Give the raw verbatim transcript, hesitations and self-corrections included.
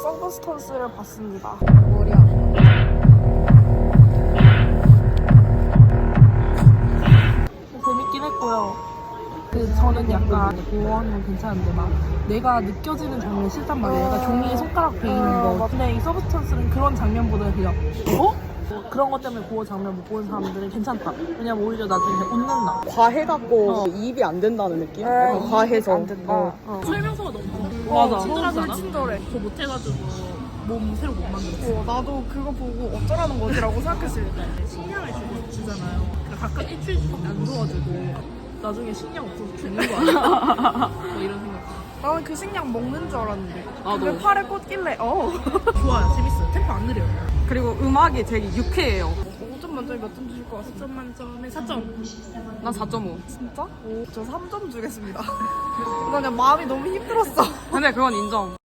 서브스턴스를 봤습니다. 머리야. 재밌긴 했고요. 그 저는 약간 보호하는 건 괜찮은데 막 내가 느껴지는 장면 싫단 말이에요. 약간 종이에 손가락 베이는 거. 근데 이 서브스턴스는 그런 장면보다 그냥 어? 뭐 그런 것 때문에 고어 장면 못 보는 사람들은 괜찮다. 왜냐면 오히려 나중에 웃는다. 과해갖고 어. 이입이 안 된다는 느낌? 에, 약간 이입이 과해서. 안 된다. 어. 어. 설명서가 너무 어, 맞아. 친절하잖아. 너무 친절해. 그거 못해가지고 몸 새로 못 만들었어. 어, 나도 그거 보고 어쩌라는 거지라고 생각했을 때. 식량을 주고 주잖아요. 그러니까 가끔 일주일씩 안 줘가지고 나중에 식량 없어서 죽는 거 아니야? 뭐 이런 생각. 나는 그 식량 먹는 줄 알았는데. 나도. 왜 팔에 꽂길래? 어. 좋아요. 재밌어요. 템포 안 느려요. 그리고 음악이 되게 유쾌해요. 오 점 만점에 몇 점 주실 것 같습니다. 오 점 만점에 사 점. 난 사 점 오. 진짜? 오, 저 삼 점 주겠습니다. 나 그냥 마음이 너무 힘들었어. 근데 그건 인정.